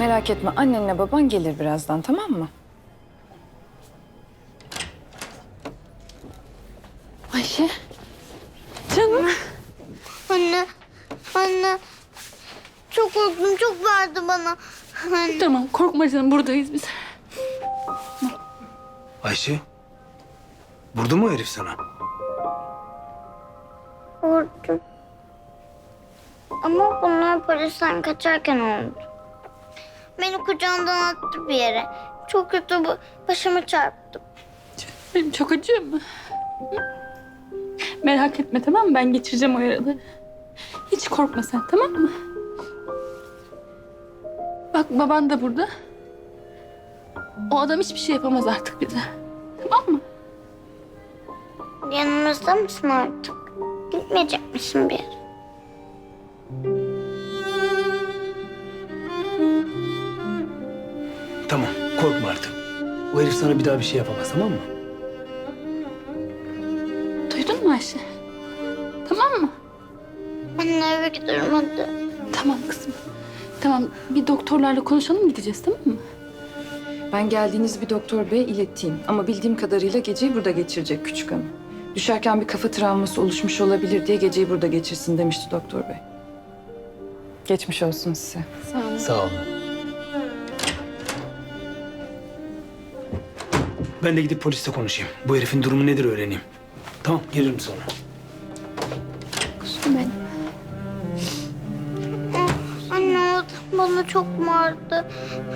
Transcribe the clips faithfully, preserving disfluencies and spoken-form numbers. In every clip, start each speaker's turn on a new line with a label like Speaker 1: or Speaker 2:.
Speaker 1: Merak etme, annenle baban gelir birazdan, tamam mı? Ayşe. Canım.
Speaker 2: Anne, anne. Çok korktum, çok vardı bana. Anne.
Speaker 3: Tamam korkma canım, buradayız biz.
Speaker 4: Ayşe. Vurdu mu herif sana?
Speaker 2: Korktum. Ama bunlar polisten kaçarken oldu. Beni kucağından attı bir yere. Çok kötü bu. Başımı çarptım.
Speaker 3: Benim çok acıyor mu? Hı? Merak etme tamam mı? Ben geçireceğim o yaraları. Hiç korkma sen, tamam mı? Bak baban da burada. O adam hiçbir şey yapamaz artık bize. Tamam mı?
Speaker 2: Yanımızda mısın artık? Gitmeyecek misin bir yere?
Speaker 4: Tamam, korkma artık. O herif sana bir daha bir şey yapamaz, tamam mı?
Speaker 3: Duydun mu Ayşe? Tamam mı?
Speaker 2: Anne eve gidiyorum hadi.
Speaker 3: Tamam kızım. Tamam bir doktorlarla konuşalım, gideceğiz tamam mı?
Speaker 1: Ben geldiğiniz bir doktor beye ileteyim. Ama bildiğim kadarıyla geceyi burada geçirecek küçük hanım. Düşerken bir kafa travması oluşmuş olabilir diye geceyi burada geçirsin demişti doktor bey. Geçmiş olsun size.
Speaker 3: Sağ olun.
Speaker 4: Sağ olun. Ben de gidip polisle konuşayım. Bu herifin durumu nedir öğreneyim. Tamam, gelirim sonra.
Speaker 3: Kuzum benim.
Speaker 2: Anne o adam bana çok vardı.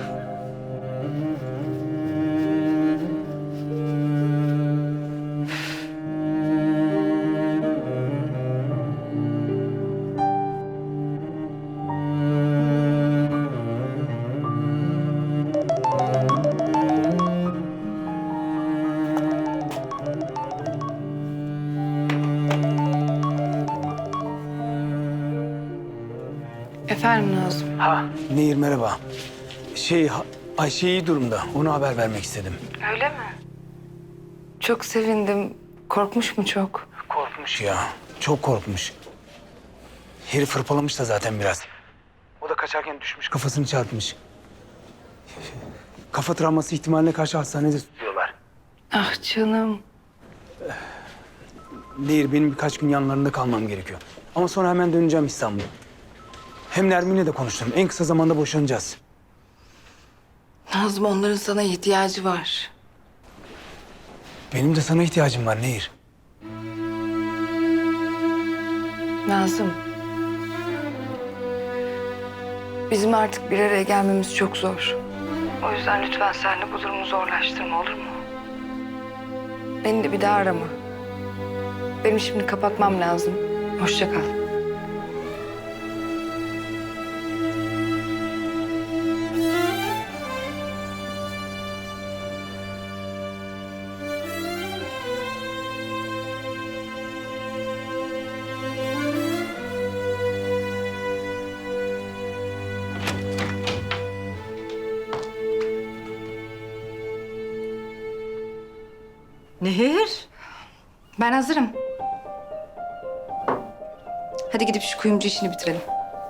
Speaker 1: Efendim Nazım.
Speaker 4: Ha, Nehir merhaba. Şey, ha- Ayşe iyi durumda. Ona haber vermek istedim.
Speaker 1: Öyle mi? Çok sevindim. Korkmuş mu çok?
Speaker 4: Korkmuş ya. Çok korkmuş. Herif hırpalamış da zaten biraz. O da kaçarken düşmüş, kafasını çarpmış. Kafa travması ihtimaline karşı hastanede tutuyorlar.
Speaker 1: Ah canım.
Speaker 4: Nehir, benim birkaç gün yanlarında kalmam gerekiyor. Ama sonra hemen döneceğim İstanbul'a. Hem Nermin'le de konuştum. En kısa zamanda boşanacağız.
Speaker 1: Nazım, onların sana ihtiyacı var.
Speaker 4: Benim de sana ihtiyacım var Nehir.
Speaker 5: Nazım. Bizim artık bir araya gelmemiz çok zor. O yüzden lütfen sen de bu durumu zorlaştırma, olur mu? Beni de bir daha arama. Benim şimdi kapatmam lazım. Hoşça kal.
Speaker 6: Nehir.
Speaker 5: Ben hazırım. Hadi gidip şu kuyumcu işini bitirelim.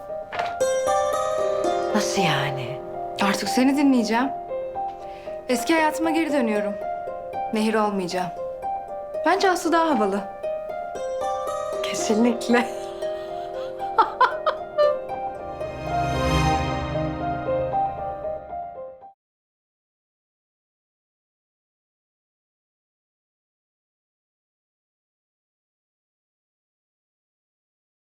Speaker 6: Nasıl yani?
Speaker 5: Artık seni dinleyeceğim. Eski hayatıma geri dönüyorum. Nehir olmayacağım. Bence Aslı daha havalı.
Speaker 6: Kesinlikle.